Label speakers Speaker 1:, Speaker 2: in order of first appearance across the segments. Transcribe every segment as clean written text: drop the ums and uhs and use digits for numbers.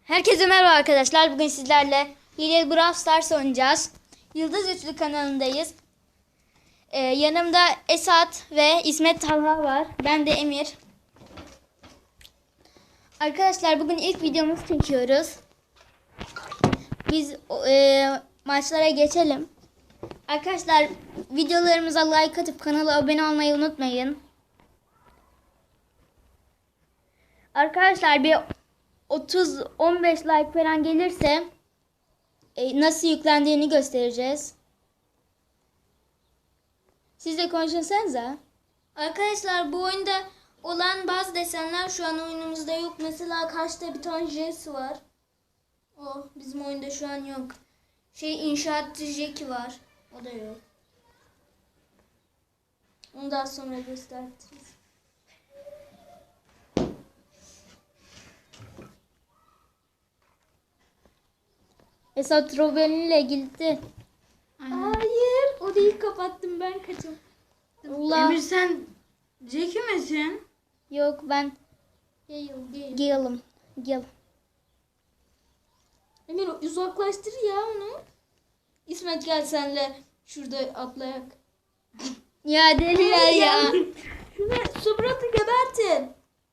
Speaker 1: Herkese merhaba arkadaşlar. Bugün sizlerle Hilal Brawl Stars oynayacağız. Yıldız Üçlü kanalındayız. Yanımda Esat ve İsmet Talha var. Ben de Emir. Arkadaşlar bugün ilk videomuzu çekiyoruz. Biz maçlara geçelim. Arkadaşlar videolarımıza like atıp kanala abone olmayı unutmayın. Arkadaşlar bir 30-15 like falan gelirse nasıl yüklendiğini göstereceğiz. Siz de konuşsanıza. Arkadaşlar bu oyunda olan bazı desenler şu an oyunumuzda yok. Mesela karşıda bir tane Jesse var. O bizim oyunda şu an yok. İnşaatçı Jackie var. O da yok. Onu daha sonra gösteririz. Esat Robin ile gitti. Hayır, orayı kapattım, ben kaçım. Allah.
Speaker 2: Emir sen Jackie misin?
Speaker 1: Yok, ben Gale'ım. Gale. Emir uzaklaştır ya onu. İsmet gel senle şurada atlayak. Ya deliler ya. Şunu Subrot'u gebertin.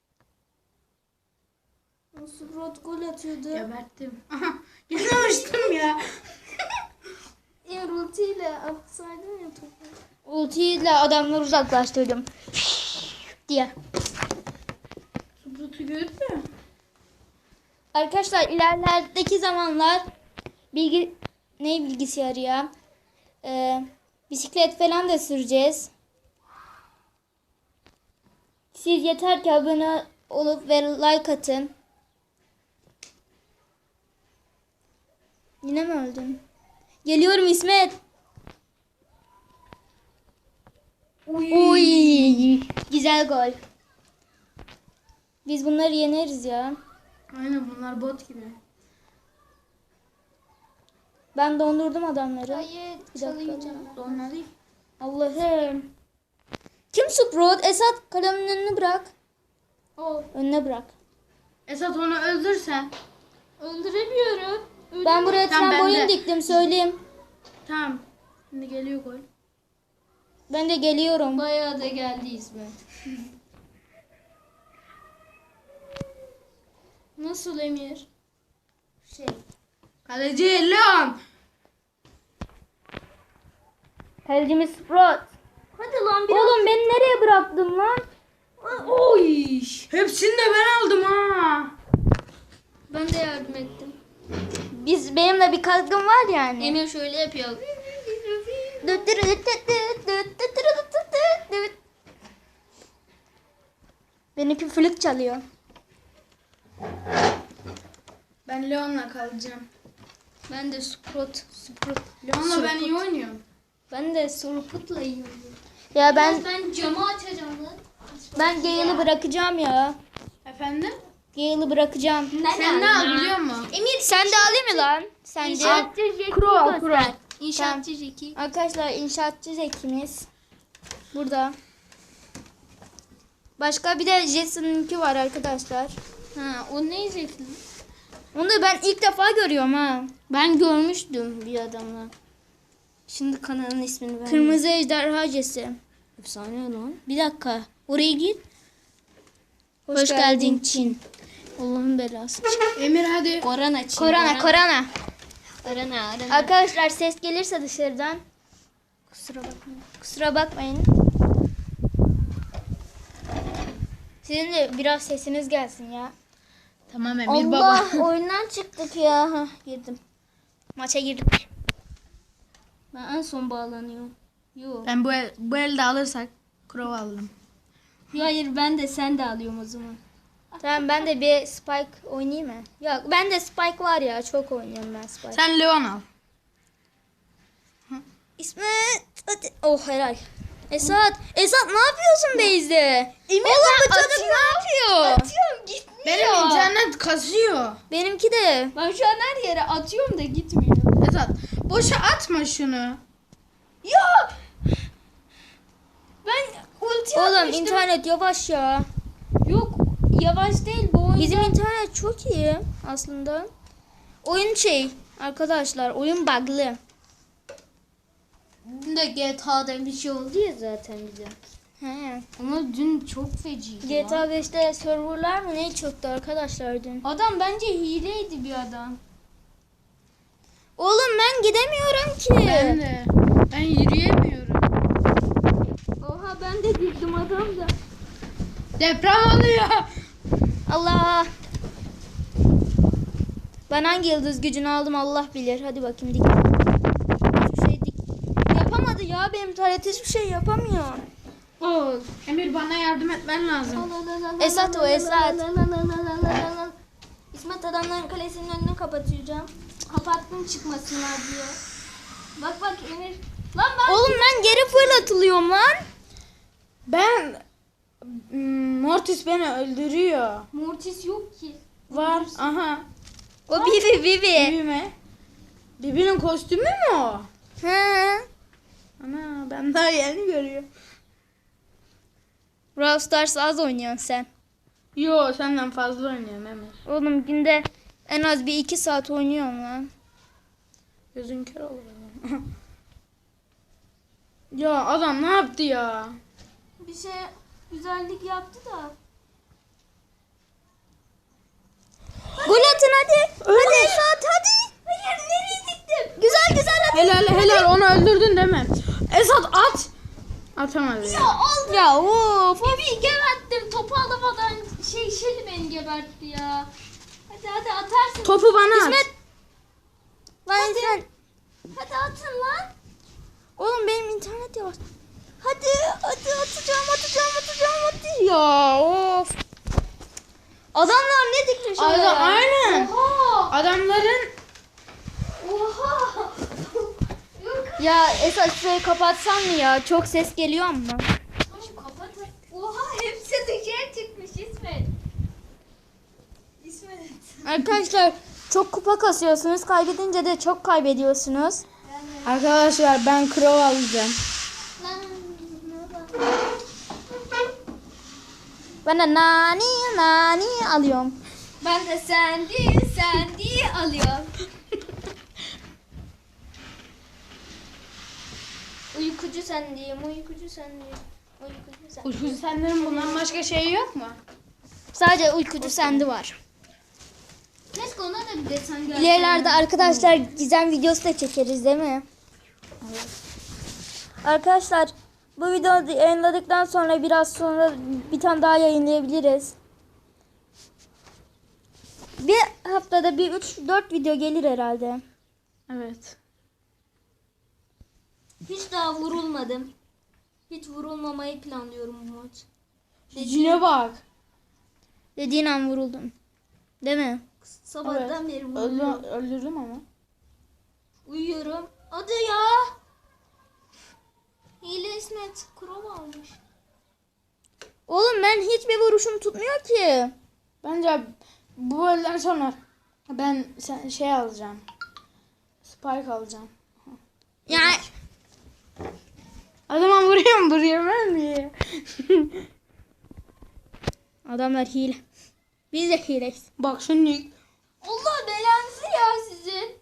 Speaker 1: O Subrot gol atıyordu.
Speaker 2: Geberttim. Aha, geçmemiştim ya.
Speaker 1: Emir ultiyle atsaydın ya topu. Ultiyle adamları uzaklaştırdım. diye.
Speaker 2: Subrut'u gördün mü?
Speaker 1: Arkadaşlar ilerlerdeki zamanlar bilgisayarı ya? Bisiklet falan da süreceğiz. Siz yeter ki abone olup ve like atın. Yine mi öldün? Geliyorum İsmet. Uy. Güzel gol. Biz bunları yeneriz ya.
Speaker 2: Aynen bunlar bot gibi.
Speaker 1: Ben dondurdum adamları.
Speaker 2: Hayır
Speaker 1: çalayacağım.
Speaker 2: Onlar değil.
Speaker 1: Allah'ım. Kim Sprout? Esat kalemin önünü bırak. O. Önüne bırak.
Speaker 2: Esat onu öldürsen.
Speaker 1: Öldüremiyorum. Ben buraya
Speaker 2: Tamam,
Speaker 1: trambolin
Speaker 2: ben de.
Speaker 1: diktim söyleyeyim.
Speaker 2: Tamam. Şimdi geliyor gol.
Speaker 1: Ben de geliyorum.
Speaker 3: Bayağı da geldi İsmet.
Speaker 1: Nasıl Emir?
Speaker 2: Kaleci Leon.
Speaker 1: Kalecimiz Sprout.
Speaker 3: Hadi lan biraz.
Speaker 1: Oğlum beni nereye bıraktın lan?
Speaker 2: Oy. Hepsini de ben aldım ha.
Speaker 3: Ben de yardım ettim.
Speaker 1: Benimle bir katkım var yani.
Speaker 3: Emir şöyle yapıyor.
Speaker 1: Benimki flüt çalıyor.
Speaker 2: Ben Leon'la kalacağım.
Speaker 3: Ben de Sprout.
Speaker 2: Leon'la ben iyi oynuyorum.
Speaker 3: Ben de Surput'la yiyorum.
Speaker 1: Ya
Speaker 3: Ben camı açacağım lan.
Speaker 1: ben Gale'ı bırakacağım ya.
Speaker 2: Efendim?
Speaker 1: Gale'ı bırakacağım.
Speaker 2: Sen ne al biliyor musun?
Speaker 3: Emir
Speaker 1: Sen de alayım mı lan? Sence?
Speaker 3: İnşaatçı Jackie
Speaker 2: Kuro.
Speaker 3: İnşaatçı Jackie.
Speaker 1: Arkadaşlar inşaatçı Zeki'miz burada. Başka bir de Jesse'ninki var arkadaşlar.
Speaker 3: Ha, o ne Jackie?
Speaker 1: Onu da ben ilk defa görüyorum ha.
Speaker 3: Ben görmüştüm bir adamla. Şimdi kanalın ismini ver.
Speaker 1: Kırmızı ejderha Jesse.
Speaker 3: Efsane lan. Bir dakika. Oraya git.
Speaker 1: Hoş geldin Çin.
Speaker 3: Allah'ın belası.
Speaker 2: Emir hadi.
Speaker 3: Korona Çin.
Speaker 1: Korona.
Speaker 3: Korona.
Speaker 1: Arkadaşlar ses gelirse dışarıdan kusura bakmayın. Sizin de biraz sesiniz gelsin ya.
Speaker 2: Tamam Emir
Speaker 1: Allah
Speaker 2: baba.
Speaker 1: oyundan çıktık ya. Hah, girdim. Maça girdik.
Speaker 3: Ben en son bağlanıyorum. Yok.
Speaker 2: Ben bu elde alırsak Crow alırım.
Speaker 3: Hayır ben de sen de alıyorum o zaman.
Speaker 1: Tamam ben de bir Spike oynayayım mı? Yok ben de Spike var ya çok oynuyorum ben Spike.
Speaker 2: Sen Leon al.
Speaker 1: İsmet hadi. Oh helal. Esat ne yapıyorsun Beyze? Oğlum bu çocuk ne yapıyor?
Speaker 3: Atıyorum gitmiyor.
Speaker 2: Benim internet kasıyor.
Speaker 1: Benimki de.
Speaker 3: Ben şu an her yere atıyorum da gitmiyor.
Speaker 2: Esat boşa atma şunu.
Speaker 3: Ya! Ben ulti
Speaker 1: Oğlum
Speaker 3: atmıştım.
Speaker 1: internet yavaş ya.
Speaker 3: Yok yavaş değil bu Bizim internet çok iyi aslında. Oyun arkadaşlar oyun bug'lı.
Speaker 2: Dün de GTA'da bir şey oldu ya zaten bize.
Speaker 3: He.
Speaker 2: Ama dün çok feciydi.
Speaker 3: GTA 5'te serverlar mı ne çöktü arkadaşlar dün.
Speaker 2: Adam bence hileydi bir adam.
Speaker 3: Oğlum ben gidemiyorum ki.
Speaker 2: Ben de. Ben yürüyemiyorum.
Speaker 3: Oha ben de girdim adam da.
Speaker 2: Deprem oluyor.
Speaker 3: Allah. Ben hangi yıldız gücünü aldım Allah bilir. Hadi bakayım dik. Hiçbir şey dik. Yapamadı ya benim internet hiçbir şey yapamıyor.
Speaker 2: Oo, Emir bana yardım etmen lazım.
Speaker 3: Esat o Esat.
Speaker 1: İsmet adamların kalesinin önünü kapatacağım. Kapattım çıkmasınlar diye. Bak bak Emir. Lan ben
Speaker 3: Oğlum ben geri fırlatılıyorum lan.
Speaker 2: Ben Mortis beni öldürüyor.
Speaker 1: Mortis yok ki.
Speaker 2: Var. Aha.
Speaker 3: O Bibi.
Speaker 2: Büyüme. Bibi'nin kostümü mü o?
Speaker 3: He.
Speaker 2: Ana ben daha yeni görüyorum.
Speaker 3: Brawl Stars az oynuyorsun sen.
Speaker 2: Yo senden fazla oynuyorum Emir.
Speaker 3: Oğlum günde en az bir 2 saat oynuyorum lan.
Speaker 2: Gözün kör olur. Ya adam ne yaptı ya?
Speaker 1: Bir şey güzellik yaptı da.
Speaker 3: Gol atın hadi.
Speaker 2: Öyle.
Speaker 3: Hadi Esat hadi.
Speaker 1: Hayır nereye gittim?
Speaker 3: Güzel hadi.
Speaker 2: Helal onu öldürdün değil mi? Esat at. Atamadı ya.
Speaker 1: Aldım.
Speaker 3: Ya of.
Speaker 1: Bibi geberttim. Topu alamadan Şeli beni gebertti ya. Hadi atarsın.
Speaker 2: Topu bana at.
Speaker 3: İsmet. Lan sen.
Speaker 1: Hadi atın lan.
Speaker 3: Oğlum benim internet yavaş. Hadi atacağım hadi. Ya of. Adamlar ne dikmiş oraya?
Speaker 2: Aynen.
Speaker 1: Oha.
Speaker 2: Adamların
Speaker 1: Oha. Yok.
Speaker 3: Ya Esat şurayı kapatsan mı ya? Çok ses geliyor ama.
Speaker 1: Şu kapatın. Oha hepsi dışarı çıkmış İsmet. İsmet.
Speaker 3: Arkadaşlar çok kupa kasıyorsunuz. Kaybedince de çok kaybediyorsunuz.
Speaker 2: arkadaşlar ben Crow alacağım.
Speaker 3: Ben de nani alıyorum.
Speaker 1: Ben de sendi alıyorum.
Speaker 3: Uykucu sen diyeyim. Uykucu sen.
Speaker 2: Ucuz senden bundan başka şey yok mu?
Speaker 3: Sadece uykucu sende var.
Speaker 1: Keşke ona da bir desen gelse.
Speaker 3: İlerilerde arkadaşlar gizem videosu da çekeriz değil mi? Arkadaşlar bu videoyu yayınladıktan sonra biraz sonra bir tane daha yayınlayabiliriz. Bir haftada bir 3-4 video gelir herhalde.
Speaker 2: Evet.
Speaker 1: Hiç daha vurulmadım. Hiç vurulmamayı planlıyorum bu maç.
Speaker 2: Cine bak.
Speaker 3: Dediğin an vuruldum. Değil mi?
Speaker 1: Sabahtan beri vuruyorum.
Speaker 2: Öldürdüm ama.
Speaker 1: Uyuyorum. Hadi ya. Hile İsmet kurol almış.
Speaker 3: Oğlum ben hiçbir vuruşum tutmuyor ki.
Speaker 2: Bence bu bölümden sonra ben şey alacağım. Spike alacağım.
Speaker 3: Ya
Speaker 2: Adama vuruyorum ben diye.
Speaker 3: adamlar hile. Biz de hileyiz.
Speaker 2: Bak şimdi
Speaker 1: Allah belanızı ya sizin.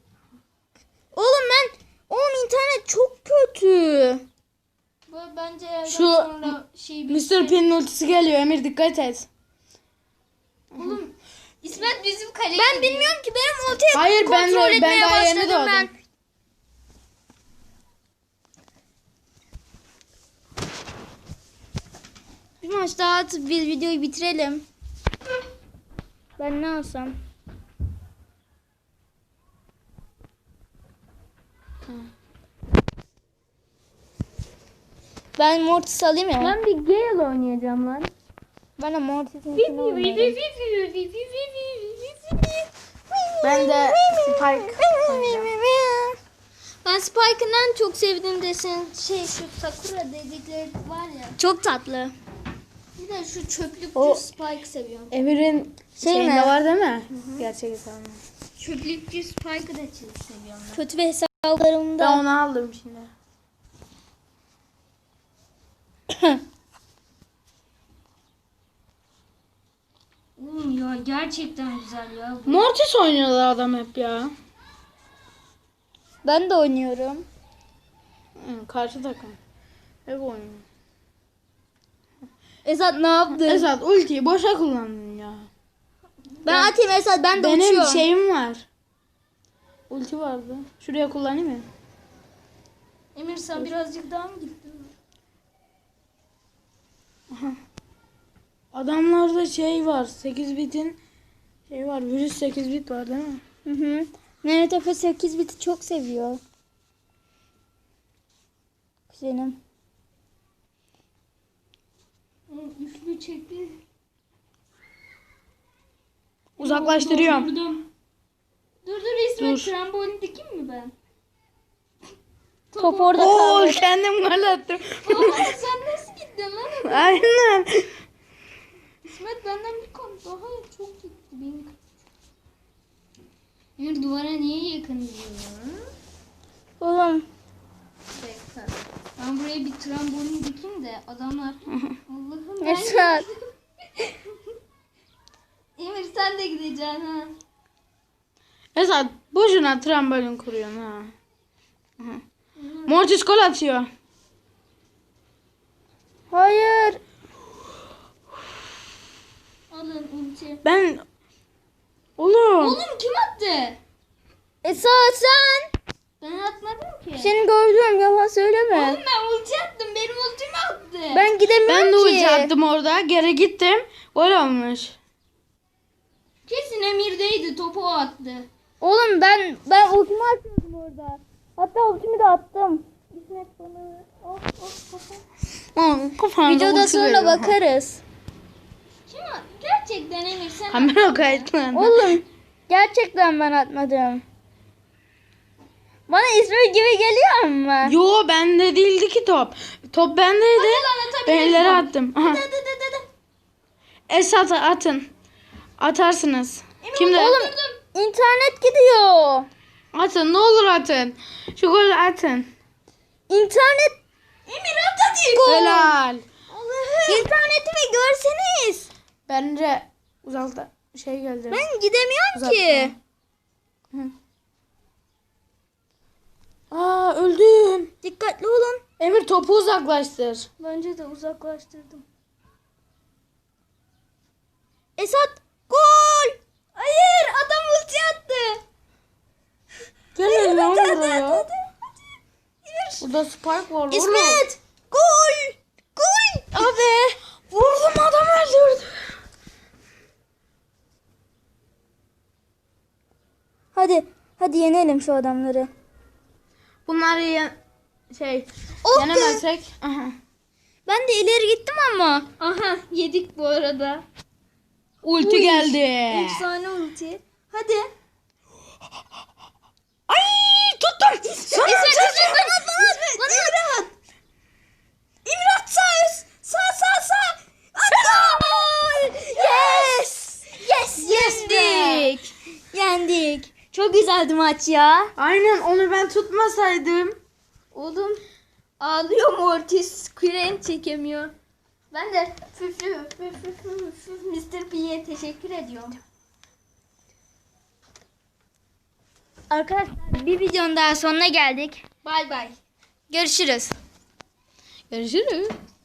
Speaker 3: Oğlum internet çok kötü.
Speaker 1: Bu bence yerden
Speaker 2: Şu
Speaker 1: sonra şey
Speaker 2: Mr. P'nin ultisi geliyor Emir dikkat et.
Speaker 1: Oğlum İsmet bizim kaleye
Speaker 3: Ben bilmiyorum ki benim ultiyi
Speaker 2: Hayır, ben
Speaker 3: kontrol
Speaker 2: de- ben
Speaker 3: etmeye
Speaker 2: daha yeni
Speaker 3: başladım ben.
Speaker 2: doğdum.
Speaker 3: Bir maç daha atıp biz videoyu bitirelim. Ben ne alsam? Ben Mortis alayım ya.
Speaker 1: Ben bir Gale oynayacağım lan.
Speaker 3: Ben de Mortis'in içine oynayayım.
Speaker 2: Ben de Spike oynayacağım.
Speaker 1: Ben Spike'ın en çok sevdiğim desen şu Sakura dedikleri var ya.
Speaker 3: Çok tatlı.
Speaker 1: Bir de şu çöplükçü
Speaker 2: O-
Speaker 1: Spike seviyorum.
Speaker 2: Emir'in
Speaker 3: Şey
Speaker 2: şeyinde
Speaker 3: mi?
Speaker 2: var değil mi? Gerçek hesabı.
Speaker 1: Çöplükçü Spike'ı da çok seviyorum ben.
Speaker 3: Kötü bir hesaplarımda.
Speaker 2: Ben onu aldım şimdi.
Speaker 1: Oğlum ya gerçekten güzel ya.
Speaker 2: Mortis oynuyorlar adam hep ya.
Speaker 3: Ben de oynuyorum.
Speaker 2: Karşı takım. Hep oynuyor.
Speaker 3: Esat ne yaptın?
Speaker 2: Esat ultiyi boşa kullandın ya.
Speaker 3: Ben atayım Esat, ben de
Speaker 2: Benim
Speaker 3: uçuyorum.
Speaker 2: şeyim var. Ulti vardı. Şuraya kullanayım mı?
Speaker 1: Emir sen birazcık daha mı gittin?
Speaker 2: Adamlarda şey var. 8 bitin şey var. Virüs 8 bit var değil mi?
Speaker 3: Hı hı. Mehmet Efe 8 biti çok seviyor. Kuzenim.
Speaker 1: Üçlü çekti.
Speaker 2: Uzaklaştırıyorum.
Speaker 1: Durdum. Dur İsmet,
Speaker 2: Dur.
Speaker 1: trambolin dikeyim mi ben?
Speaker 3: Top orada
Speaker 2: Oo
Speaker 3: kaldı.
Speaker 2: kendim gol attım.
Speaker 1: Aa, sen nasıl gittin lan?
Speaker 2: Aynen.
Speaker 1: İsmet benden bir kat daha çok gitti. Benim. Emir duvara niye yakın diyor?
Speaker 3: Oğlum.
Speaker 1: Bekle. Ben buraya bir trambolin dikeyim de adamlar. Allah'ım ben.
Speaker 3: Esat.
Speaker 1: Emir sen de gideceksin ha.
Speaker 2: Esat boşuna trambolin kuruyorsun ha. Mortis gol atıyor.
Speaker 3: Hayır.
Speaker 1: Alın ulti.
Speaker 2: Ben oğlum.
Speaker 1: Oğlum kim attı?
Speaker 3: Esat sen.
Speaker 1: Ben atmadım ki.
Speaker 3: Seni gördüm, yalan söyleme.
Speaker 1: Oğlum ben ulti attım. Benim ultimi attı.
Speaker 3: Ben gidemiyorum
Speaker 2: Ben de
Speaker 3: ki.
Speaker 2: ulti attım orada. Geri gittim. Gol olmuş.
Speaker 1: Kesin Emir'deydi. Topu o attı.
Speaker 3: Oğlum ben ultimi atıyordum orada. Hatta ultimi de attım. İsmet bana.
Speaker 2: Kafamda
Speaker 3: Videoda
Speaker 2: ulti
Speaker 3: sonra
Speaker 2: veriyor.
Speaker 3: bakarız.
Speaker 1: Kim attı? Gerçekten Emir sen
Speaker 2: Kamera
Speaker 1: attın.
Speaker 2: kayıtlandı.
Speaker 3: Oğlum gerçekten ben atmadım. Bana İsmet gibi geliyor ama.
Speaker 2: Yo bende değildi ki top. Top bendeydi.
Speaker 1: Hadi lan
Speaker 2: Ben
Speaker 1: atabiliriz.
Speaker 2: ileri attım. Aha.
Speaker 1: Hadi.
Speaker 2: Esat'a atın. Atarsınız. Kimde?
Speaker 3: Oğlum internet gidiyor.
Speaker 2: Atın ne olur atın. Şu golü atın.
Speaker 3: İnternet.
Speaker 1: Emir at hadi.
Speaker 2: Helal.
Speaker 1: Allah'ım.
Speaker 3: İnternetimi görseniz.
Speaker 2: Bence uzakta şey geldi.
Speaker 3: Ben gidemiyorum
Speaker 2: Uzakta.
Speaker 3: ki.
Speaker 2: Aa öldüm.
Speaker 3: Dikkatli olun.
Speaker 2: Emir topu uzaklaştır.
Speaker 1: Bence de uzaklaştırdım.
Speaker 3: Esat gol.
Speaker 1: Hayır adam ulti attı.
Speaker 2: Gel lan
Speaker 3: hadi,
Speaker 2: buraya.
Speaker 3: hadi.
Speaker 2: Burada spike var oğlum.
Speaker 3: İsmet gol. Gol.
Speaker 2: Abi. Vurdum adam öldürdü.
Speaker 3: Hadi yenelim şu adamları.
Speaker 2: Bunları şey
Speaker 3: Oh be.
Speaker 2: yenemezsek. Aha.
Speaker 3: Ben de ileri gittim ama.
Speaker 1: Aha yedik bu arada.
Speaker 2: Ulti geldi.
Speaker 1: Efsane ulti. Hadi.
Speaker 2: Ay tuttum. Sana
Speaker 3: İsmet bana at.
Speaker 1: Emir at sağ.
Speaker 3: Gol. Yes. Yendik. Çok güzeldi maç ya.
Speaker 2: Aynen onu ben tutmasaydım.
Speaker 1: Oğlum ağlıyor Mortis. Küren çekemiyor. Ben de Mr. P'ye teşekkür ediyorum.
Speaker 3: Arkadaşlar bir videonun daha sonuna geldik.
Speaker 1: Bay bay.
Speaker 3: Görüşürüz.
Speaker 2: Görüşürüz.